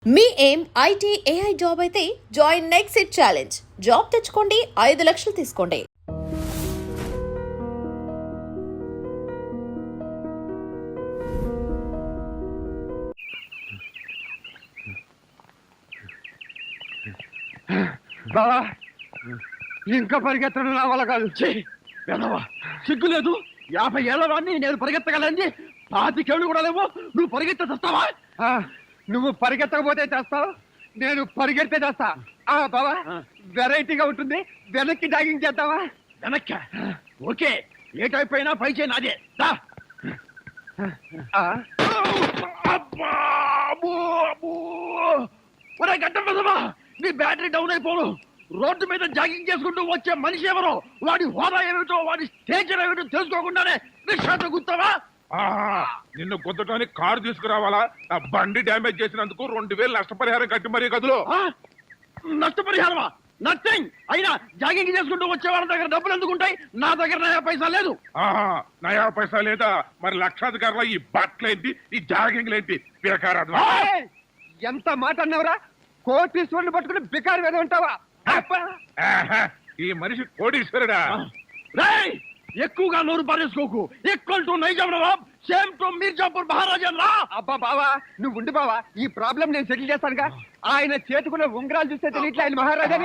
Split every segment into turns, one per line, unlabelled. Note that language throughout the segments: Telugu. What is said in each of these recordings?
మీ ఏం ఐటీ ఏఐ జాబ్ అయితే join next it challenge. Job తెచ్చుకోండి, 5 లక్షలు తీసుకోండి.
బావా ఇంకా పరిగెత్తడం నా వల్ల కాదు. సిగ్గు లేదు. 50 ఏళ్ళ వాడిని నేను పరిగెత్తగలని 25 ఏళ్ళు కూడా లేవు. నువ్వు పరిగెత్తే చేస్తావా? నువ్వు పరిగెత్తకపోతే చేస్తావు, నేను పరిగెడితే చేస్తా. బావా వెరైటీగా ఉంటుంది. వెనక్కి జాగింగ్ చేద్దావా? వెనక్కి ఓకే. ఏ టైప్ అయినా పై చేయి నాదే. గడ్డమ్మా నీ బ్యాటరీ డౌన్ అయిపోను. రోడ్డు మీద జాగింగ్ చేసుకుంటూ వచ్చే మనిషి ఎవరో, వాడి హోదా ఏమిటో, వాడి స్టేచర్ ఏమిటో తెలుసుకోకుండానే నిశ్వాస గుర్తావా?
నిన్ను గుద్దటానికి కారు తీసుకురావాలా? నా బండి డ్యామేజ్ చేసినందుకు 2000 నష్టపరిహారం కట్టి మరీ గదులు.
నష్టపరిహారమా? నథింగ్. అయినా జాగింగ్ చేసుకుంటూ వచ్చే వాళ్ళ దగ్గర డబ్బులు ఎందుకుంటాయి? నా దగ్గర నయా పైసా లేదు.
నయా పైసా లేదా? మరి లక్షాధికారులు ఈ బట్టలేంటి, ఈ జాగింగ్ లేంటి? బేకారాదు.
ఎంత మాట అన్నవరా? కోటీశ్వరుని పట్టుకుని బికారు మీద ఉంటావా?
ఈ మనిషి కోటీశ్వరుడా?
ఎక్కువగా నోరు పారేసుకోకు. ఈక్వల్ టు నైజాం నవాబ్, సేమ్ టు మీర్జాపూర్ మహారాజా రా. అబ్బా బావా నువ్వు ఉండి బావా, ఈ ప్రాబ్లం నేను సెటిల్ చేస్తానుగా. ఆయన చేతుకున్న ఉంగరాలు చూస్తే తెలియట్లే ఆయన మహారాజాని.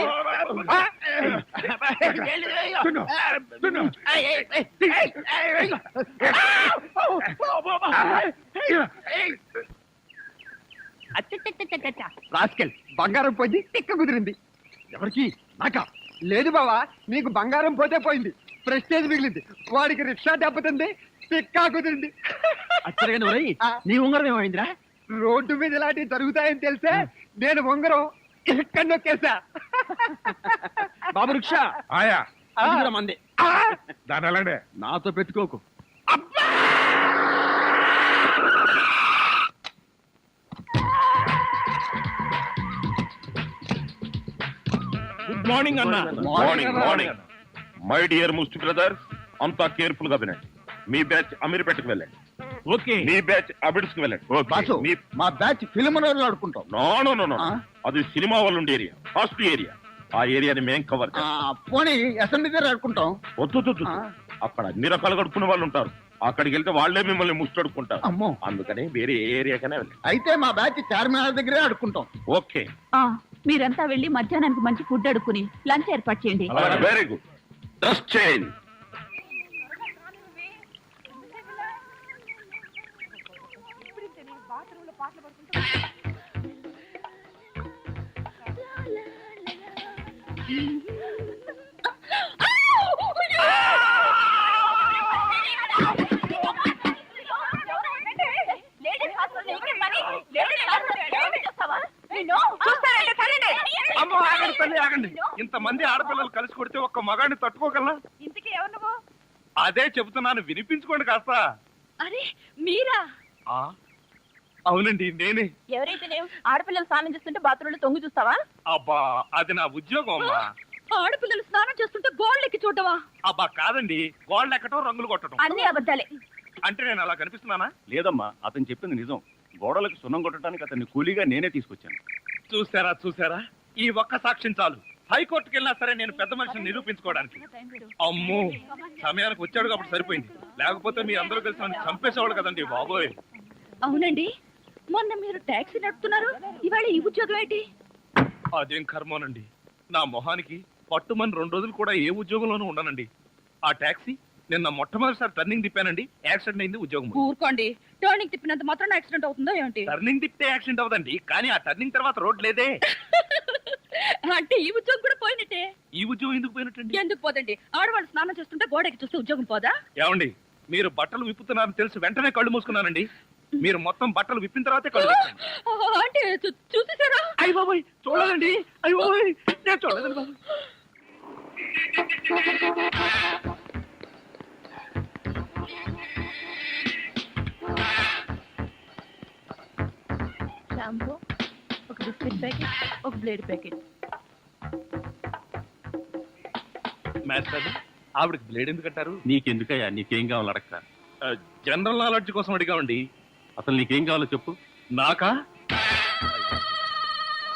రాస్కెల్ బంగారం పోయింది, తిక్క కుదిరింది. ఎవరికి? నాకా? లేదు బావా, నీకు బంగారం పోతే పోయింది, ప్రెస్టేజ్ మిగిలింది. వాడికి రిక్షా దెబ్బతింది, తిక్కా కుదిరింది. నీ ఉంగరం ఏమైందిరా? రోడ్డు మీద ఇలాంటివి జరుగుతాయని తెలిసే నేను ఉంగరం ఎక్కడ నొక్కేసా. బాబు రిక్షా
ఆయా
మంది
దాని అలానే
నాతో పెట్టుకోకు.
గుడ్ మార్నింగ్ అన్న.
Morning morning. మై డియర్ ముస్టి బ్రదర్స్, అంతా కేర్ఫుల్ గా వినండి. మీ బ్యాచ్ అమీర్పేటకు వెళ్ళండి.
ఓకే.
మీ బ్యాచ్ అబిడ్స్ కు వెళ్ళండి.
మా బ్యాచ్ ఫిల్మ్ ఆడుకుంటాం.
నో అది సినిమా వాళ్ళు ఉండే ఏరియా, ఫాస్ట్ ఏరియా. ఆ ఏరియాని మేం కవర్
పోనీ అసెంబ్లీ దగ్గర ఆడుకుంటాం.
వద్దు, అక్కడ అన్ని రకాలు కడుక్కునే వాళ్ళు ఉంటారు. అక్కడికి వెళ్తే వాళ్లే మిమ్మల్ని ముస్టడుకుంటారు.
అమ్మో,
అందుకని వేరే ఏరియాకనే వెళ్ళండి.
అయితే మా బ్యాచ్ చార్మినార్ దగ్గరే ఆడుకుంటాం.
ఓకే.
మీరంతా వెళ్లి మధ్యాహ్నానికి మంచి ఫుడ్ అడుక్కుని లంచ్ ఏర్పాటు చేయండి.
Very good. Dress change.
ఆగండి. ఇంతమంది ఆడపిల్లలు కలిసి కొడితే ఒక్క మగాడిని తట్టుకోగలనా?
ఇంతకీ ఎవరు నువ్వు?
అదే చెబుతున్నాను, వినిపించుకోండి కాస్త.
అరే మీరా?
అవునండి నేనే.
ఎవరైతే ఆడపిల్లలు స్నానం చేస్తుంటే బాత్రూంలో తొంగి చూస్తావా?
అబ్బా అది నా ఉద్యోగం అమ్మా.
ఆడపిల్లలు స్నానం చేస్తుంటే గోళ్ళెక్కి చూడవా?
అబ్బా కాదండి, గోళ్ళు ఎక్కటం, రంగులు కొట్టడం.
అన్ని అబద్ధాలే.
అంటే నేను అలా కనిపిస్తున్నానా?
లేదమ్మా, అతను చెప్పింది నిజం. గోడలకు సున్నం కొట్టడానికి అతన్ని కూలీగా నేనే తీసుకొచ్చాను.
చూసారా, ఈ ఒక్క సాక్ష్యం చాలు. హైకోర్టుకి వెళ్ళినా సరే నేను పెద్ద మనిషిని నిరూపించుకోవడానికి. అమ్మో, సమయానికి వచ్చాడు కాబట్టి సరిపోయింది. లేకపోతే మీ అందరూ కలిసి నన్ను చంపేసేవాడు కదండి బాబోయ్.
అవునండి, మొన్న మీరు టాక్సీ నడుపుతున్నారు, ఇవాళ ఈ ఉద్యోగం ఏంటి?
అదేం కర్మోనండి, నా మొహానికి పట్టుమని 2 రోజులు కూడా ఏ ఉద్యోగంలోనూ ఉండనండి. ఆ టాక్సీ నిన్న మొట్టమొదటిసారి టర్నింగ్ తిప్పానండి, యాక్సిడెంట్ అయింది, ఉద్యోగం.
ఊరుకోండి, టర్నింగ్ తిప్పినంత మాత్రం యాక్సిడెంట్ అవుతుందో ఏంటి?
టర్నింగ్ తిప్పితే యాక్సిడెంట్ అవదండి, కానీ ఆ టర్నింగ్ తర్వాత రోడ్ లేదే.
అంటే ఈ ఉద్యోగం కూడా పోయినట్టే.
ఈ ఉద్యోగం ఎందుకు పోయినట్టండి?
ఎందుకు పోదండి? ఆడవాళ్ళు స్నానం చేస్తుంటే గోడకి చూస్తే ఉద్యోగం పోదా?
ఏమండి, మీరు బట్టలు విప్పుతున్నారని తెలిసి వెంటనే కళ్ళు మూసుకున్నానండి. మీరు మొత్తం బట్టలు విప్పిన తర్వాతే కళ్ళు తెచ్చాను.
అంటే చూసేసారా?
అయ్య బాబోయ్, చూడదండి. అయ్య బాబోయ్, నేను చూడదండి బాబు.
షాంపూ, ఒక బిస్కెట్ ప్యాకెట్, ఒక బ్లేడ్ ప్యాకెట్.
మాస్టర్, ఆవిడకి బ్లేడ్ ఎందుకు అంటారు?
నీకెందుకయ్యా, నీకేం కావాలి అడగతా.
జనరల్ నాలెడ్జ్ కోసం అడిగామండి.
అసలు నీకేం కావాలో చెప్పు.
నాకా?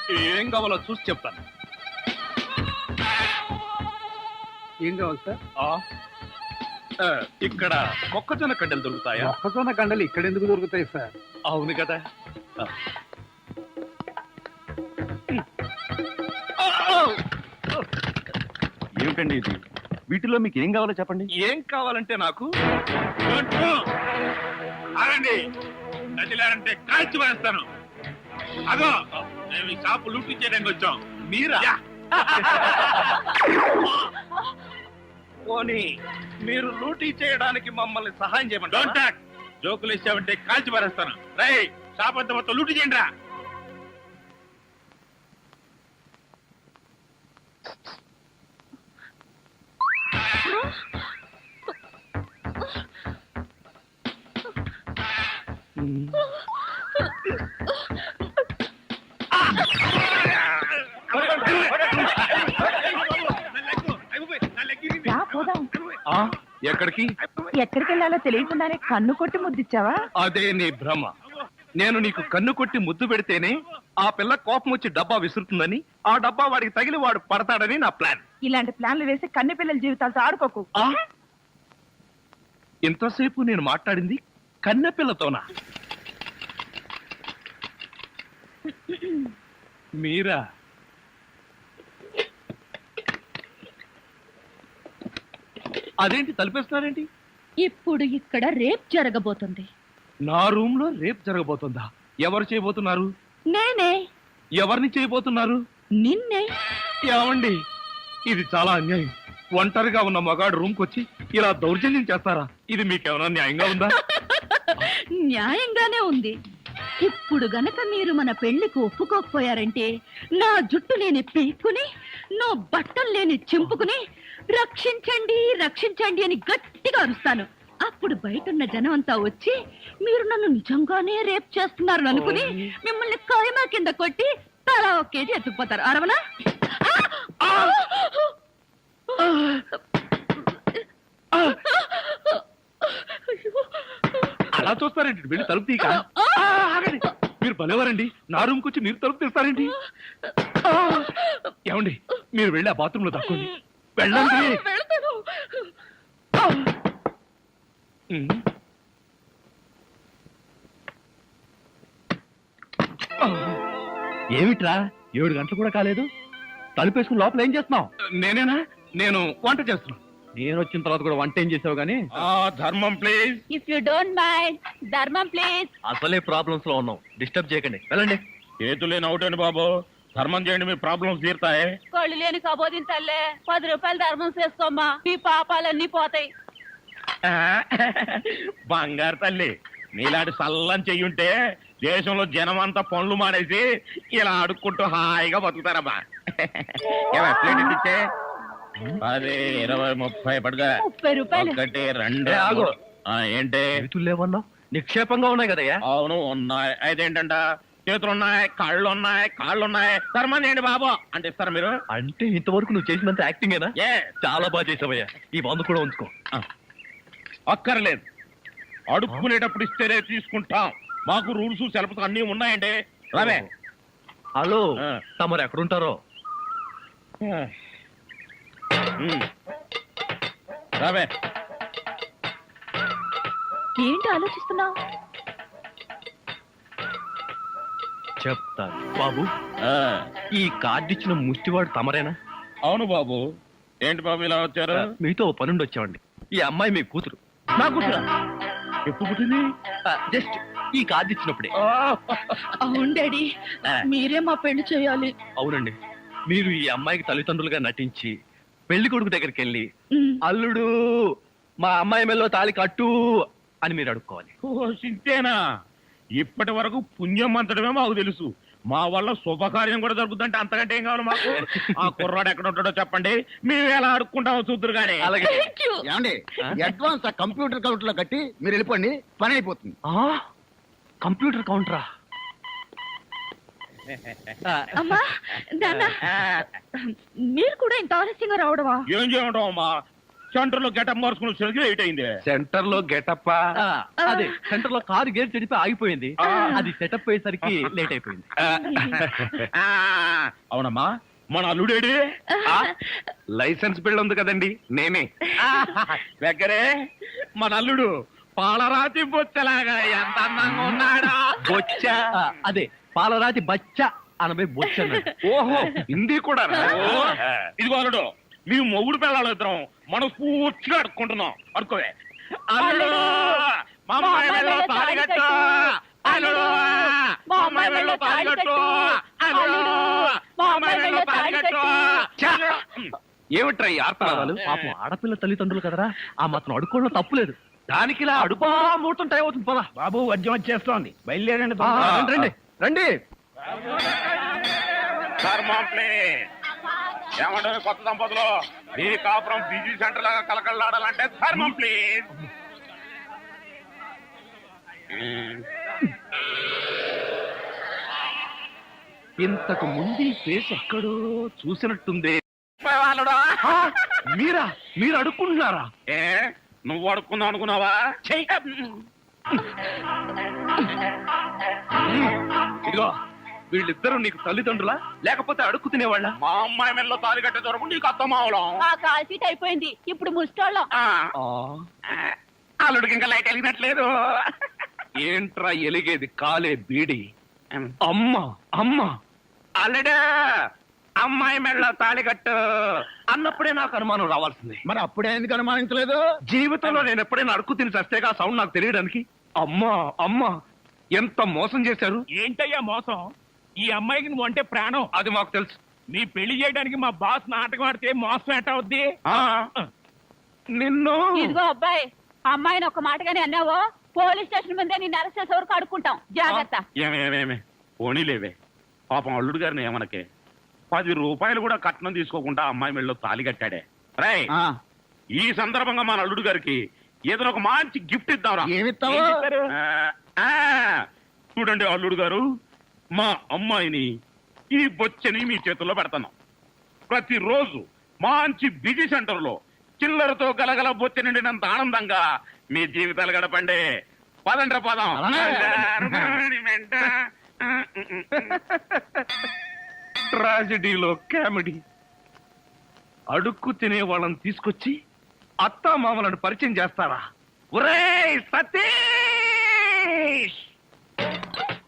ఏం కావాలో చూసి చెప్తాను.
ఏం కావాలి సార్?
ఇక్కడ మొక్కజొన్న కండలు దొరుకుతాయా?
మొక్కజొన్న కండలు ఇక్కడ ఎందుకు దొరుకుతాయి సార్?
అవును కదా.
ఏమిటండి ఇది? వీటిలో మీకు ఏం కావాలో చెప్పండి.
ఏం కావాలంటే నాకు అరండి నదిలారంటే కాల్చి వేస్తాను. అదో మేము ఈ షాపు లూటీ చేయడానికి వచ్చాం. మీరా? పోనీ మీరు లూటీ చేయడానికి మమ్మల్ని సహాయం చేయమంటారా? జోకులు ఇచ్చామంటే కాల్చి పారేస్తాను. రై షాప్ అంతా మొత్తం లూటీ చేయండి రా. ఎక్కడికి
ఎక్కడికి వెళ్ళాలో తెలియకుండానే కన్ను కొట్టి ముద్దిచ్చావా?
అదే నీ భ్రమ. నేను నీకు కన్ను కొట్టి ముద్దు పెడితేనే ఆ పిల్ల కోపం వచ్చి డబ్బా విసురుతుందని, ఆ డబ్బా వాడికి తగిలి వాడు పడతాడని నా ప్లాన్.
ఇలాంటి ప్లాన్లు వేసి కన్నె పిల్లల జీవితాలతో ఆడుకోకు.
ఇంతసేపు నేను మాట్లాడింది కన్నె పిల్లతోనా? మీరా? అదేంటి తలిపేస్తున్నారేంటి?
ఇప్పుడు ఇక్కడ రేప్ జరగబోతుంది.
నా రూమ్ లో రేప్ జరగబోతుందా? ఎవరు చేయబోతున్నారు?
నేనే.
ఎవరిని చేయబోతున్నారు?
నిన్నే.
ఏమండి, ఇది చాలా అన్యాయం. ఒంటరిగా ఉన్న మగాడు రూమ్ కొచ్చి ఇలా దౌర్జన్యం చేస్తారా? ఇది మీకేమైనా న్యాయంగా ఉందా?
న్యాయంగానే ఉంది. ఇప్పుడు గనక మీరు మన పెళ్లికి ఒప్పుకోకపోయారంటే నా జుట్టు లేని పీక్కుని, నా బట్టలు లేని చింపుకుని రక్షించండి రక్షించండి అని గట్టిగా అరుస్తాను. అప్పుడు బయటున్న జనం అంతా వచ్చి మీరు నన్ను నిజంగానే రేప్ చేస్తున్నారు అనుకుని మిమ్మల్ని కాయమా కింద కొట్టి తలా ఒక కేజీ ఎత్తుకుపోతారు. అరవనా?
అలా చూస్తారేంటి? వెళ్ళి తలుపు తీక. మీరు భలేవారండి. నా రూమ్కి వచ్చి మీరు తలుపు తీస్తారేంటి? ఏమండి, మీరు వెళ్ళి ఆ బాత్రూమ్ లో తక్కండి. వెళ్ళండి.
ఏమిట్రా 7 గంటలు కూడా కాలేదు, తలుపేసుకుని లోపల ఏం చేస్తున్నావు?
నేనేనా? నేను వంట చేస్తున్నాను.
నేను వచ్చిన తర్వాత కూడా వంట ఏం చేసావు గానీ?
ధర్మం please.
If you don't mind, ధర్మం ప్లీజ్.
అసలే ప్రాబ్లమ్స్ లో ఉన్నాం, డిస్టర్బ్ చేయకండి, వెళ్ళండి.
చేతులేని అవుటండి బాబు, ధర్మం చేయండి, మీ ప్రాబ్లమ్స్ తీరుతాయి.
కళ్ళు లేని కబోదింతల్లే 10 రూపాయలు ధర్మం చేసుకోమ్మా, మీ పాపాలన్నీ పోతాయి.
బంగారు తల్లి, నీలాంటి సల్లం చెయ్యుంటే దేశంలో జనం అంతా పనులు మానేసి ఇలా అడుక్కుంటూ హాయిగా బతుకుతారమ్మా. ప్లేట్ ఇచ్చే 10, 20, 30 పడుగా.
30 రూపాయలు.
1, 2
ఆగు.
ఏంటి
చేతులు లేవన్నావు? నిక్షేపంగా ఉన్నాయి కదయ్యా.
అవును ఉన్నాయి. అయితేంటంట, చేతులున్నాయి, కాళ్ళున్నాయి, కాళ్ళున్నాయి, ధర్మం చేయండి బాబు అంటే ఇస్తారా మీరు?
అంటే ఇంతవరకు నువ్వు చేసినంత యాక్టింగేనా? చాలా బాగా చేసావయ్యా. ఈ మందు కూడా ఉంచుకో.
అక్కర్లేదు, అడుక్కునేటప్పుడు ఇస్తేనే తీసుకుంటాం. మాకు రూల్స్ సెలవులు అన్నీ ఉన్నాయండి. రావే.
హలో, తమరు ఎక్కడుంటారో?
రావే.
ఏంటి ఆలోచిస్తున్నావు?
చెప్తాను బాబు. ఈ కార్డు ఇచ్చిన ముష్టివాడు తమరేనా?
అవును బాబు. ఏంటి బాబు ఇలా వచ్చారు?
మీతో ఓ పనుండి వచ్చామండి. ఈ అమ్మాయి మీ కూతురు.
నా కూతురా? ఎప్పుడు పుట్టింది?
జస్ట్ ఈ కార్డు ఇచ్చినప్పుడే.
అవును డాడీ, మీరే మా పెళ్లి చేయాలి.
అవునండి, మీరు ఈ అమ్మాయికి తల్లిదండ్రులుగా నటించి పెళ్లి కొడుకు దగ్గరికి వెళ్ళి అల్లుడు మా అమ్మాయి మెల్లో తాళి కట్టు అని మీరు అడుక్కోవాలి.
ఓ సింతేనా? ఇప్పటి వరకు పుణ్యం అంతటమే మాకు తెలుసు. మా వల్ల శుభకార్యం కూడా జరుగుతుందంటే అంతకంటే ఏం కావాలి మాకు? ఆ కుర్రాడు ఎక్కడ ఉంటాడో చెప్పండి, మేము ఎలా అడుక్కుంటామో చూద్దరు కానీ.
అలాగే.
ఏమండి, అడ్వాన్స్ ఆ కంప్యూటర్ కౌంటర్ లో కట్టి మీరు వెళ్ళిపోండి, పని అయిపోతుంది.
కంప్యూటర్ కౌంటరా?
అమ్మా నాన్న, మీరు కూడా ఇంత ఆలస్యంగా రావడమా?
ఏం చేయమంటావు అమ్మా? సెంటర్ లో గెటప్ మార్చుకుని వచ్చేసరికి లేట్ అయింది.
సెంటర్ లో గెటప్
అదే సెంటర్ లో కారు గేర్ చెడిపి ఆగిపోయింది. అది సెటప్ అయ్యేసరికి లేట్ అయిపోయింది.
ఆ, అవునమ్మా మన అల్లుడేడి?
లైసెన్స్ బిల్ ఉంది కదండి, నేనే.
దగ్గరే మన అల్లుడు పాలరాతి బొచ్చలాగా ఎంత అందంగా ఉన్నాడా.
బొచ్చా?
అదే పాలరాతి బచ్చ అనబై బొచ్చ అన్నాడు.
ఓహో, హిందీ కూడా రా.
ఇదిగో అల్లుడు, మేము మొగుడు పిల్లలు ఇద్దరం మనం పూర్తిగా అడుక్కుంటున్నాం. అనుకోవే అల్లుడు మా అమ్మాయి మెడలో తాళి కట్టు. అల్లుడు మా అమ్మాయి మెడలో తాళి కట్టు. అల్లుడు మా అమ్మాయి మెడలో తాళి కట్టు.
ఛా! ఏమిట్రా ఈ ఆర్తనాదాలు?
పాపం ఆడపిల్ల తల్లిదండ్రులు కదరా, ఆ మాత్రం అడుక్కోవడం తప్పులేదు.
దానికి ఇలా అడుగు.
ముహూర్తం టైం అవుతుంది, పదా.
బాబు వద్యం వచ్చేస్తోంది, బయలుదేరండి.
రండి రండి రండి.
ఏమంటే కొత్త దంపతులు ఈ కాపురం బిజీ సెంటర్ లాగా కలకలాడాలంటే ధర్మం ప్లీజ్.
ఇంతకు ముందు ఈ ఫేస్ ఎక్కడో చూసినట్టుంది.
వాళ్ళుడా?
మీరా? మీరు అడుక్కుంటున్నారా?
ఏ నువ్వు అడుక్కుందాం అనుకున్నావా?
ఇదిగో, వీళ్ళిద్దరూ నీకు తల్లిదండ్రులా లేకపోతే అడుక్కు తినేవాళ్ళ?
మా అమ్మాయి మెల్లో తాలి కట్టే దొరకు నీకు అత్తమావలం.
ఆ కాల్ సీట్ అయిపోయింది, ఇప్పుడు ముస్టోళ్ళం.
అల్లుడికి ఇంకా లైట్ వెలిగినట్లేదు.
ఏంట్రా ఎలిగేది? కాలే బీడి. అమ్మా అమ్మా,
అల్లుడు అమ్మాయి మెళ్ళ తాళి కట్టు
అన్నప్పుడే నాకు అనుమానం రావాల్సింది.
మరి అప్పుడే ఎందుకు అనుమానించలేదు?
జీవితంలో నేను ఎప్పుడైనా అడుక్కు తిని చస్తేగా సౌండ్ నాకు తెలియడానికి. అమ్మా అమ్మా, ఎంత మోసం చేశారు.
ఏంటయ్యా మోసం? ఈ అమ్మాయికి నువ్వు అంటే ప్రాణం.
అది మాకు తెలుసు.
నీ పెళ్లి చేయడానికి మా బాస్ నాటకం ఆడితే మోసం ఎట్ట అవుద్ది?
ఆ, నిన్ను
ఇదిగో అబ్బాయి, అమ్మాయిని ఒక మాటగానే అన్నావో పోలీస్ స్టేషన్ ముందే నిన్ను అరెస్ట్ చేసే వరకు అడుక్కుంటాం. జాగ్రత్త.
ఏమేమేమే పోనీలేవే, పాపం అల్లుడు గారిని ఏమనకే. 10 రూపాయలు కూడా కట్నం తీసుకోకుండా అమ్మాయి మెళ్ళలో తాళి కట్టాడే. రేయ్,
ఆ,
ఈ సందర్భంగా మన అల్లుడు గారికి ఏదైనా ఒక మంచి గిఫ్ట్ ఇద్దాంరా.
ఏమిస్తావు?
ఏం చెప్పారు?
చూడండి అల్లుడు గారు, మా అమ్మాయిని ఈ బొచ్చని మీ చేతుల్లో పెడతాను. ప్రతిరోజు మంచి బిజీ సెంటర్ లో చిల్లరతో గలగల బొచ్చ నిండినంత ఆనందంగా మీ జీవితాలు గడపండి. పదండ్ర పదం.
ట్రాజడీలో కామెడీ. అడుక్కు తినే వాళ్ళని తీసుకొచ్చి అత్తా మామలను పరిచయం చేస్తారా? ఒరేయ్ సతీష్,